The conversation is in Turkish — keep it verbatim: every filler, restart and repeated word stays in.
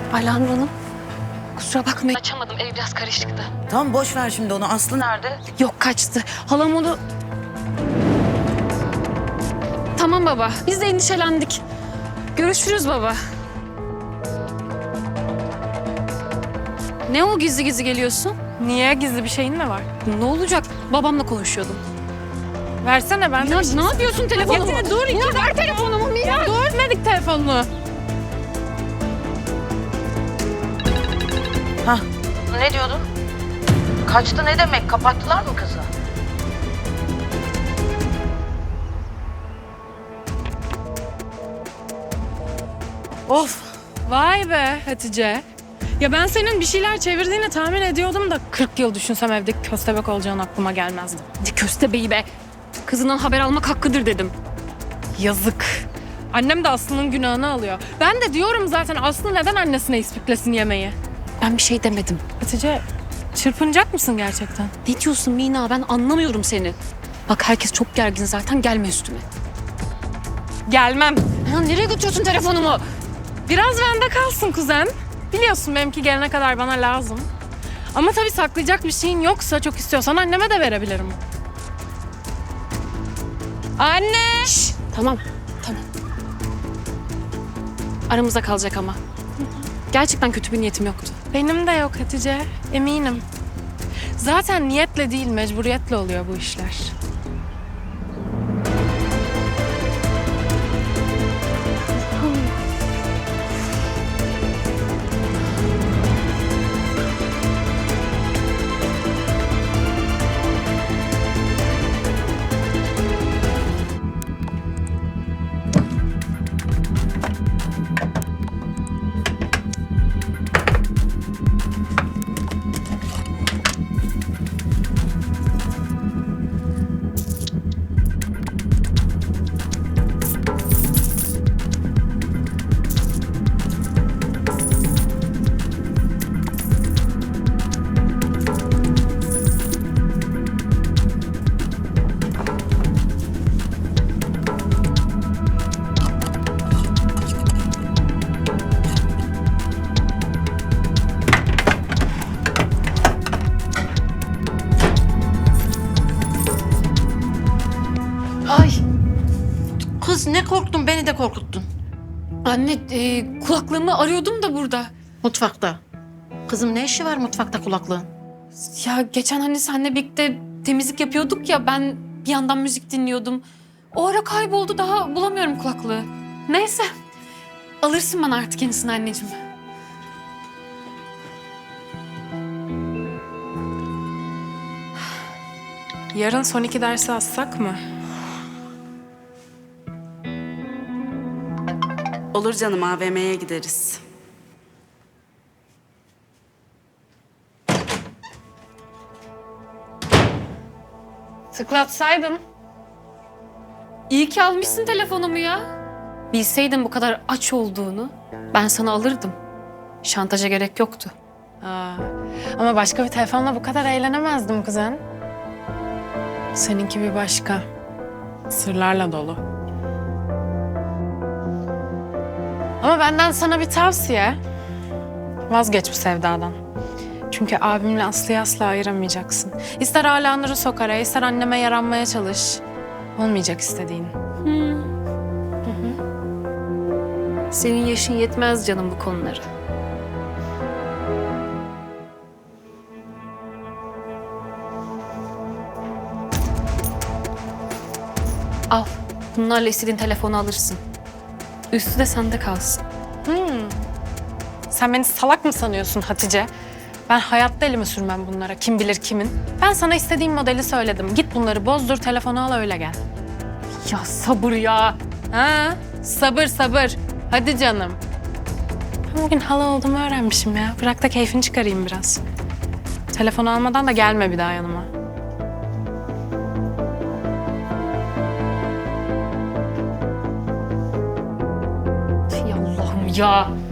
Alanur Hanım, kusura bakmayın. Açamadım, ev biraz karışıktı. Tamam boş ver şimdi onu. Aslı nerede? Yok, kaçtı. Halam onu... Tamam baba, biz de endişelendik. Görüşürüz baba. Ne o gizli gizli geliyorsun? Niye? Gizli bir şeyin mi var? Ne olacak? Babamla konuşuyordum. Versene ben de Ya bir şey... ne yapıyorsun telefonumu? Ya, dur, Ya ver telefonumu Mine. Ya dur, vermedik telefonunu. Hah. Ne diyordun? Kaçtı ne demek? Kapattılar mı kızı? Of. Vay be Hatice. Ya ben senin bir şeyler çevirdiğini tahmin ediyordum da kırk yıl düşünsem evde köstebek olacağın aklıma gelmezdi. Ne köstebeği be. Kızından haber almak hakkıdır dedim. Yazık. Annem de Aslı'nın günahını alıyor. Ben de diyorum zaten Aslı neden annesine ispiklesin yemeği? Ben bir şey demedim. Hatice, çırpınacak mısın gerçekten? Ne diyorsun Mina? Ben anlamıyorum seni. Bak herkes çok gergin zaten, gelme üstüme. Gelmem. Ya nereye götürüyorsun telefonumu? Biraz bende kalsın kuzen. Biliyorsun benimki gelene kadar bana lazım. Ama tabii saklayacak bir şeyin yoksa çok istiyorsan anneme de verebilirim. Anne! Şş, tamam, tamam. Aramızda kalacak ama. Gerçekten kötü bir niyetim yoktu. Benim de yok Hatice, eminim. Zaten niyetle değil, mecburiyetle oluyor bu işler. Ay. Kız ne korktun, beni de korkuttun. Anne, e, kulaklığımı arıyordum da burada. Mutfakta. Kızım ne işi var mutfakta kulaklığın? Ya geçen hani seninle birlikte temizlik yapıyorduk ya, ben bir yandan müzik dinliyordum. O ara kayboldu, daha bulamıyorum kulaklığı. Neyse, alırsın bana artık yenisini anneciğim. Yarın son iki dersi assak mı? Olur canım, A V M'ye gideriz. Tıklatsaydın. İyi ki almışsın telefonumu ya. Bilseydim bu kadar aç olduğunu ben sana alırdım. Şantaja gerek yoktu. Aa, ama başka bir telefonla bu kadar eğlenemezdim kuzen. Seninki bir başka. Sırlarla dolu. Ama benden sana bir tavsiye. Vazgeç bu sevdadan. Çünkü abimle Aslı'yı asla ayıramayacaksın. İster Alanur'u sok araya, ister anneme yaranmaya çalış. Olmayacak istediğin. Senin yaşın yetmez canım bu konulara. Al. Bunlarla istediğin telefonu alırsın. Üstü de sende kalsın. Sen beni salak mı sanıyorsun Hatice? Ben hayatta elimi sürmem bunlara. Kim bilir kimin. Ben sana istediğim modeli söyledim. Git bunları bozdur, telefonu al öyle gel. Ya sabır ya. Ha, sabır sabır. Hadi canım. Ben bugün hala olduğumu öğrenmişim ya. Bırak da keyfini çıkarayım biraz. Telefonu almadan da gelme bir daha yanıma. Ey Allah'ım ya.